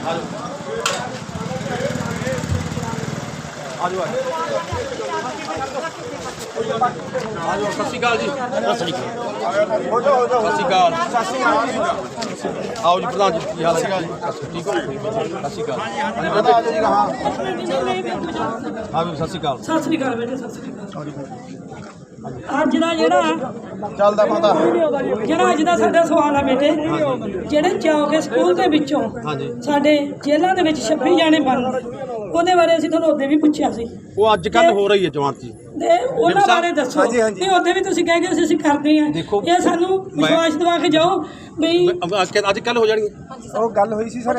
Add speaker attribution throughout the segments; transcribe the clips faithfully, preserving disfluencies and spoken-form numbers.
Speaker 1: ਆਜੋ ਆਜੋ ਸਤਿ ਸ਼੍ਰੀ ਅਕਾਲ ਜੀ। ਸਤਿ ਸ਼੍ਰੀ ਅਕਾਲ। ਸਤਿ ਸ਼੍ਰੀ ਅਕਾਲ। ਆਓ ਜੀ ਪ੍ਰਧਾਨ ਜੀ, ਕੀ ਹਾਲ ਹੈ ਜੀ? ਠੀਕ ਹੋ? ਸਤਿ ਸ਼੍ਰੀ ਅਕਾਲ। ਹਾਂ ਹਾਂ ਵੀ ਸਤਿ ਸ਼੍ਰੀ ਅਕਾਲ।
Speaker 2: ਸਤਿ ਸ੍ਰੀ ਅਕਾਲ ਬੇਟੇ, ਸਤਿ ਸ੍ਰੀ ਅਕਾਲ। ਅੱਜ ਦਾ ਜਿਹੜਾ
Speaker 1: ਚੱਲਦਾ ਪਤਾ
Speaker 2: ਜਿਹੜਾ ਅੱਜ ਦਾ ਸਾਡਾ ਸਵਾਲ ਆ ਬੇਟੇ, ਜਿਹੜੇ ਚੌਕੇ ਸਕੂਲ ਦੇ ਵਿੱਚੋਂ ਸਾਡੇ ਜੇਲ੍ਹਾਂ ਦੇ ਵਿੱਚ ਛੱਬੀ ਜਾਣੇ ਬੰਦ, ਉਹਦੇ ਬਾਰੇ ਅਸੀਂ ਤੁਹਾਨੂੰ ਉਹਦੇ ਵੀ ਪੁੱਛਿਆ ਸੀ।
Speaker 1: ਉਹ ਅੱਜ ਕੱਲ ਹੋ ਰਹੀ ਹੈ ਜਮਾਤ ਜੀ,
Speaker 2: ਤੇ ਉਹਨਾਂ ਬਾਰੇ ਦੱਸੋ। ਤੇ ਉਹਦੇ ਵੀ ਤੁਸੀਂ ਕਹਿ ਗਏ ਅਸੀਂ ਕਰਦੇ ਹਾਂ, ਇਹ ਸਾਨੂੰ ਵਿਸ਼ਵਾਸ ਦਿਵਾ ਕੇ ਜਾਓ ਵੀ
Speaker 1: ਅੱਜ ਕੱਲ ਹੋ ਜਾਣੀ।
Speaker 3: ਉਹ ਗੱਲ ਹੋਈ ਸੀ ਸਰ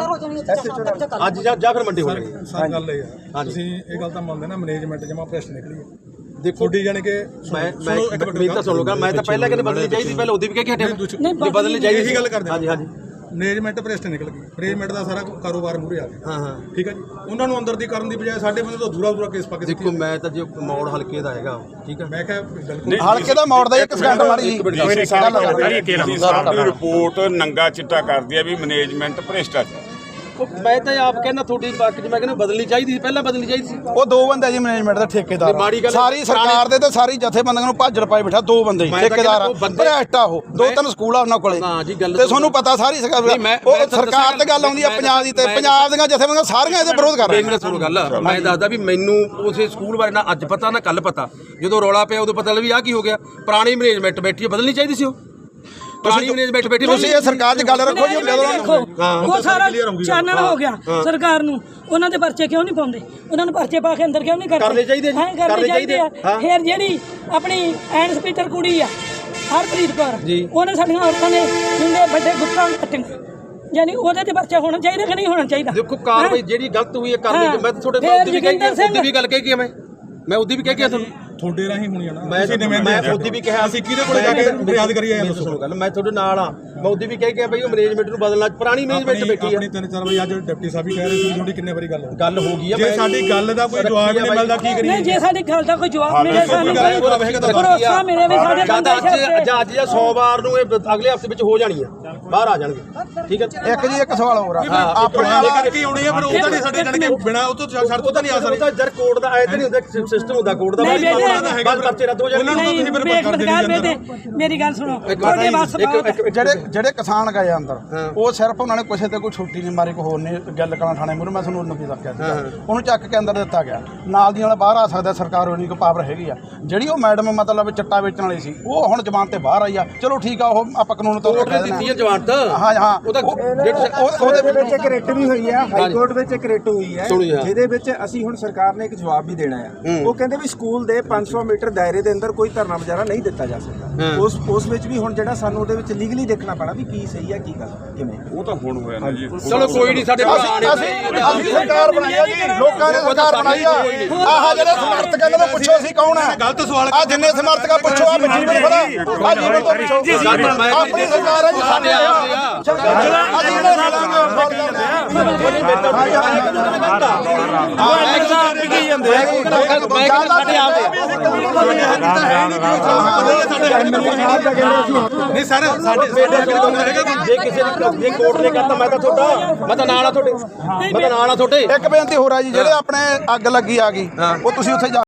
Speaker 1: ਅੱਜ ਜਾਂ ਫਿਰ ਮੰਡੇ ਹੋ ਜਾਣੀ।
Speaker 4: ਸਰ ਗੱਲ ਇਹ ਹੈ, ਤੁਸੀਂ ਇਹ ਗੱਲ ਤਾਂ ਮੰਨਦੇ ਨਾ ਮੈਨੇਜਮੈਂਟ ਜਮਾ ਭ੍ਰਿਸ਼ਟ ਨਿਕਲੀ ਹੈ।
Speaker 1: ਦੇਖੋ
Speaker 4: ਛੋਟੀ ਜਾਣੀ ਕਿ
Speaker 1: ਮੈਂ ਮੈਂ ਮੇਰੀ ਤਾਂ ਸੁਣ ਲਓਗਾ, ਮੈਂ ਤਾਂ ਪਹਿਲਾਂ ਕਹਿੰਦੇ ਬਦਲਣੀ ਚਾਹੀਦੀ, ਪਹਿਲਾਂ ਉਹਦੀ ਵੀ ਕਹਿ ਕੇ ਹਟਿਆ ਨਹੀਂ ਬਦਲਣੀ ਚਾਹੀਦੀ।
Speaker 4: ਇਹੀ ਗੱਲ ਕਰਦੇ
Speaker 1: ਹਾਂਜੀ ਹਾਂਜੀ।
Speaker 4: ਮੈਨੇਜਮੈਂਟ ਭ੍ਰਿਸ਼ਟ ਨਿਕਲ ਗਈ, ਮੈਨੇਜਮੈਂਟ ਦਾ ਸਾਰਾ ਕਾਰੋਬਾਰ ਮੂਹਰੇ ਆ ਗਿਆ।
Speaker 1: ਹਾਂ ਹਾਂ
Speaker 4: ਠੀਕ ਹੈ ਜੀ, ਉਹਨਾਂ ਨੂੰ ਅੰਦਰ ਦੀ ਕਰਨ ਦੀ ਬਜਾਏ ਸਾਡੇ ਬੰਦੇ ਤੋਂ ਦੂਰਾ ਦੂਰਾ ਕੇਸ ਪਾ ਕੇ
Speaker 1: ਦੇਖੋ ਮੈਂ ਤਾਂ ਜੇ ਮੌੜ ਹਲਕੇ ਦਾ ਹੈਗਾ, ਠੀਕ ਹੈ,
Speaker 4: ਮੈਂ ਕਿਹਾ ਬਿਲਕੁਲ
Speaker 3: ਹਲਕੇ ਦਾ ਮੋੜ ਦਾ ਇੱਕ ਸਕਿੰਟ ਮਾਰੀ ਜੀ।
Speaker 5: ਸਾਡੀ ਰਿਪੋਰਟ ਨੰਗਾ ਚਿੱਟਾ ਕਰਦੀ ਹੈ ਵੀ ਮੈਨੇਜਮੈਂਟ ਭ੍ਰਿਸ਼ਟਾਚਾਰ।
Speaker 1: ਮੈਂ ਤਾਂ ਆਪ ਕਹਿੰਦਾ ਤੁਹਾਡੀ ਬਾਕੀ ਮੈਂ ਕਹਿੰਦਾ ਬਦਲਣੀ ਚਾਹੀਦੀ ਸੀ, ਪਹਿਲਾਂ ਬਦਲਣੀ ਚਾਹੀਦੀ ਸੀ।
Speaker 3: ਉਹ ਦੋ ਬੰਦੇ ਜੀ ਮੈਨੇਜਮੈਂਟ ਦੇ ਠੇਕੇਦਾਰ, ਸਾਰੀ ਸਰਕਾਰ ਦੇ ਤੇ ਸਾਰੀ ਜਥੇਬੰਦੀਆਂ ਨੂੰ ਭਾਜੜ ਪਾਈ ਬਿਠਾ ਦੋ ਬੰਦੇ ਠੇਕੇਦਾਰ ਭ੍ਰਿਸ਼ਟ ਆ। ਉਹ ਦੋ ਤਿੰਨ ਸਕੂਲ ਆ ਉਹਨਾਂ ਕੋਲੇ ਤੇ ਤੁਹਾਨੂੰ ਪਤਾ ਸਾਰੀ ਉਹ ਸਰਕਾਰ ਤੇ ਗੱਲ ਆਉਂਦੀ ਆ ਪੰਜਾਬ ਦੀ, ਤੇ ਪੰਜਾਬ ਦੀਆਂ ਜਥੇਬੰਦੀਆਂ ਸਾਰੀਆਂ ਇਹਦੇ ਵਿਰੋਧ ਕਰ ਰਹੀਆਂ।
Speaker 1: ਸੁਣੋ ਗੱਲ, ਮੈਂ ਦੱਸਦਾ ਵੀ ਮੈਨੂੰ ਉਸੇ ਸਕੂਲ ਬਾਰੇ ਨਾ ਅੱਜ ਪਤਾ ਨਾ ਕੱਲ ਪਤਾ, ਜਦੋਂ ਰੌਲਾ ਪਿਆ ਉਦੋਂ ਪਤਾ ਲੱਗ ਵੀ ਆਹ ਕੀ ਹੋ ਗਿਆ। ਪੁਰਾਣੀ ਮੈਨੇਜਮੈਂਟ ਬੈਠੀ ਬਦਲਣੀ ਚਾਹੀਦੀ ਸੀ। ਉਹ ਪੁਰਾਣੀ ਮੈਨੇਜਮੈਂਟ ਬੈਠੀ,
Speaker 3: ਤੁਸੀਂ ਇਹ ਸਰਕਾਰ 'ਚ ਗੱਲ ਰੱਖੋ ਜੀ।
Speaker 2: ਉਹ ਸਾਰਾ ਚਾਨਣ ਹੋ ਗਿਆ ਸਰਕਾਰ ਨੂੰ, ਉਹਨਾਂ ਦੇ ਪਰਚੇ ਕਿਉਂ ਨਹੀਂ ਪਾਉਂਦੇ? ਉਹਨਾਂ ਨੂੰ ਪਰਚੇ ਪਾ ਕੇ ਅੰਦਰ ਕਿਉਂ ਨਹੀਂ ਕਰਦੇ?
Speaker 1: ਕਰਨੇ ਚਾਹੀਦੇ ਜੀ,
Speaker 2: ਕਰਨੇ ਚਾਹੀਦੇ ਆ। ਫਿਰ ਜਿਹੜੀ ਆਪਣੀ ਐਂਡ ਸਪੀਕਰ ਕੁੜੀ ਆ ਹਰਪ੍ਰੀਤ ਕੌਰ, ਉਹਨੇ ਸਾਡੀਆਂ ਔਰਤਾਂ ਦੇ ਜਿੰਦੇ ਵੱਡੇ ਗੁੱਟਾਂ ਕੱਟੀਆਂ, ਯਾਨੀ ਉਹਦੇ ਤੇ ਪਰਚਾ ਹੋਣਾ ਚਾਹੀਦਾ ਕਿ ਨਹੀਂ ਹੋਣਾ ਚਾਹੀਦਾ?
Speaker 1: ਦੇਖੋ ਕਾਰਵਾਈ ਜਿਹੜੀ ਗਲਤ ਹੋਈ ਹੈ ਕਰਨੀ। ਮੈਂ ਤੁਹਾਡੇ ਨਾਲ ਉਹਦੀ ਵੀ ਕਹਿ ਕੇ ਉਹਦੀ ਵੀ ਗੱਲ ਕਹਿ ਕੇ ਮੈਂ ਮੈਂ ਉਹਦੀ ਵੀ ਕਹਿ ਕੇ ਤੁਹਾਨੂੰ
Speaker 4: ਤੁਹਾਡੇ ਰਾਹੀਂ ਹੋਣੀ ਆ ਨਾ।
Speaker 1: ਮੈਂ ਮੈਂ ਉਹਦੀ ਵੀ ਕਿਹਾ
Speaker 4: ਅਸੀਂ ਕਿਹਦੇ ਕੋਲ ਜਾ ਕੇ ਫਰਿਆਦ ਕਰੀਏ?
Speaker 1: ਇਹ ਦੱਸੋ ਗੱਲ, ਮੈਂ ਤੁਹਾਡੇ ਨਾਲ ਆ। ਮੈਂ ਉਹਦੀ ਵੀ ਕਹਿ ਕੇ ਬਈ ਉਹ ਮੈਨੇਜਮੈਂਟ ਨੂੰ ਬਦਲਣਾ, ਪੁਰਾਣੀ ਮੈਨੇਜਮੈਂਟ ਬੈਠੀ ਆ।
Speaker 4: ਆਪਣੀ ਤਿੰਨ ਚਾਰ ਵਾਰੀ ਅੱਜ ਡਿਪਟੀ ਸਾਹਿਬ ਵੀ ਕਹਿ ਰਹੇ ਸੀ, ਤੁਹਾਡੀ ਕਿੰਨੇ ਵਾਰੀ ਗੱਲ ਹੋ
Speaker 1: ਗੱਲ ਹੋ ਗਈ ਆ।
Speaker 4: ਜੇ ਸਾਡੀ ਗੱਲ ਦਾ ਕੋਈ ਜਵਾਬ ਨਹੀਂ ਮਿਲਦਾ ਕੀ ਕਰੀਏ?
Speaker 2: ਨਹੀਂ, ਜੇ ਸਾਡੀ ਗੱਲ ਦਾ ਕੋਈ ਜਵਾਬ ਮਿਲੇ ਸਾਨੂੰ ਭਰੋਸਾ ਮਿਲੇ ਵੀ ਸਾਡੇ ਬੰਦੇ
Speaker 1: ਅੱਜ ਅੱਜ ਜਾਂ ਸੋਮਵਾਰ ਨੂੰ ਇਹ ਅਗਲੇ ਹਫ਼ਤੇ ਵਿੱਚ ਹੋ ਜਾਣੀ ਆ, ਬਾਹਰ ਆ ਜਾਣਗੇ। ਠੀਕ ਹੈ,
Speaker 3: ਇੱਕ ਜੀ ਇੱਕ ਸਵਾਲ ਹੋਰ ਆ
Speaker 4: ਆਪਣੇ ਵਾਲੇ ਕਰਕੇ ਆਉਣੀ ਆ, ਪਰ ਉਹ ਤਾਂ ਨਹੀਂ ਸਾਡੇ ਜਾਣ ਕੇ ਬਿਨਾ ਉਹ ਤੋਂ ਸ਼ਰਤ ਤਾਂ ਨਹੀਂ ਆ ਸਕਦੀ।
Speaker 1: ਉਹਦਾ ਜਰ ਕੋਡ ਦਾ ਐ ਤਾਂ ਨਹੀਂ ਹੁੰਦਾ, ਸਿਸਟਮ ਹੁੰਦਾ ਕੋਡ ਦਾ। ਬਸ ਪਰਚੇ ਰੱਦ ਹੋ ਜਾਣਗੇ।
Speaker 2: ਮੇਰੀ ਗੱਲ ਸੁਣੋ,
Speaker 3: ਜਿਹੜੇ ਜਿਹੜੇ ਕਿਸਾਨ ਗਏ ਅੰਦਰ, ਉਹ ਸਿਰਫ ਉਹਨਾਂ ਨੇ ਕਿਸੇ ਤੇ ਕੋਈ ਛੁੱਟੀ ਨਹੀਂ ਮਾਰੀ, ਕੋਈ ਹੋਰ ਨਹੀਂ ਗੱਲ ਕਰਨਾ ਥਾਣੇ ਮੂਹਰੇ। ਮੈਂ ਤੁਹਾਨੂੰ ਉਹਨੂੰ ਕੀ ਦੱਸਿਆ ਸੀ, ਉਹਨੂੰ ਚੱਕ ਕੇ ਅੰਦਰ ਦਿੱਤਾ ਗਿਆ। ਨਾਲ ਦੀ ਨਾਲ ਬਾਹਰ ਆ ਸਕਦਾ, ਸਰਕਾਰ ਉਹਨੀ ਕੋ ਪਾਵਰ ਹੈਗੀ ਆ। ਜਿਹੜੀ ਉਹ ਮੈਡਮ ਮਤਲਬ ਚਿੱਟਾ ਵੇਚਣ ਵਾਲੀ ਸੀ, ਉਹ ਹੁਣ ਜ਼ਮਾਨਤ ਤੇ ਬਾਹਰ ਆਈ ਆ। ਚਲੋ ਠੀਕ ਆ, ਉਹ ਆਪਾਂ ਕਾਨੂੰਨ ਤੌਰ ਤੇ
Speaker 1: ਦਿੱਤੀ ਹੈ ਜ਼ਮਾਨਤ।
Speaker 3: ਹਾਂ ਹਾਂ,
Speaker 6: ਉਹਦੇ ਵਿੱਚ ਇੱਕ ਰਿਟ ਵੀ ਹੋਈ ਹੈ, ਹਾਈ ਕੋਰਟ ਵਿੱਚ ਇੱਕ ਰਿਟ ਹੋਈ ਹੈ, ਜਿਹਦੇ ਵਿੱਚ ਅਸੀਂ ਹੁਣ ਸਰਕਾਰ ਨੇ ਇੱਕ ਜਵਾਬ ਵੀ ਦੇਣਾ ਹੈ। ਉਹ ਕਹਿੰਦੇ ਵੀ ਸਕੂਲ ਦੇ ਪੰਜ ਸੌ ਮੀਟਰ ਦਾਇਰੇ ਦੇ ਅੰਦਰ ਕੋਈ ਧਰਨਾ ਮੁਜ਼ਾਹਰਾ ਨਹੀਂ ਦਿੱਤਾ ਜਾ ਸਕਦਾ। ਉਸ ਉਸ ਵਿੱਚ ਵੀ ਹੁਣ ਜਿਹੜਾ ਸਾਨੂੰ ਉਹਦੇ ਵਿੱਚ ਲੀਗਲੀ ਦੇਖਣਾ ਪੈਣਾ ਵੀ ਕੀ ਸਹੀ ਹੈ ਕੀ ਗਲਤ ਕਿਵੇਂ।
Speaker 5: ਉਹ ਤਾਂ ਹੁਣ ਹੋਇਆ ਨਾ ਜੀ।
Speaker 1: ਚਲੋ ਕੋਈ ਨਹੀਂ, ਸਾਡੇ
Speaker 3: ਅਸੀਂ ਸਰਕਾਰ ਬਣਾਈ ਆ ਜੀ, ਲੋਕਾਂ ਨੇ ਸਰਕਾਰ ਬਣਾਈ ਆ। ਆਹ ਜਿਹੜੇ ਸਮਰਥਕ ਇਹਨਾਂ ਤੋਂ ਪੁੱਛੋ ਅਸੀਂ ਕੌਣ ਆ?
Speaker 4: ਗਲਤ ਸਵਾਲ
Speaker 3: ਆ ਜਿੰਨੇ ਸਮਰਥਕ ਆ ਪੁੱਛੋ, ਆ ਜੀਵਨ ਖੜਾ ਆ ਜੀਵਨ ਤੋਂ ਪੁੱਛੋ। ਆਪਣੀ ਸਰਕਾਰ ਹੈ ਜੀ, ਸਾਡੇ ਆ ਅਸੀਂ ਇਹਨਾਂ ਨਾਲ
Speaker 4: ਨਹੀਂ ਸਰ, ਸਾਡੇ
Speaker 1: ਜੇ ਕਿਸੇ ਜੇ ਕੋਰਟ ਨੇ ਕਹਤਾ ਮੈਂ ਤਾਂ ਤੁਹਾਡਾ ਮੈਂ ਤਾਂ ਨਾਲ ਆ ਤੁਹਾਡੇ, ਮੈਂ ਤਾਂ ਨਾਲ ਆ ਤੁਹਾਡੇ।
Speaker 3: ਇੱਕ ਬੇਨਤੀ ਹੋਰ ਆ ਜੀ, ਜਿਹੜੇ ਆਪਣੇ ਅੱਗ ਲੱਗੀ ਆ ਗਈ, ਉਹ ਤੁਸੀਂ ਉੱਥੇ ਜਾ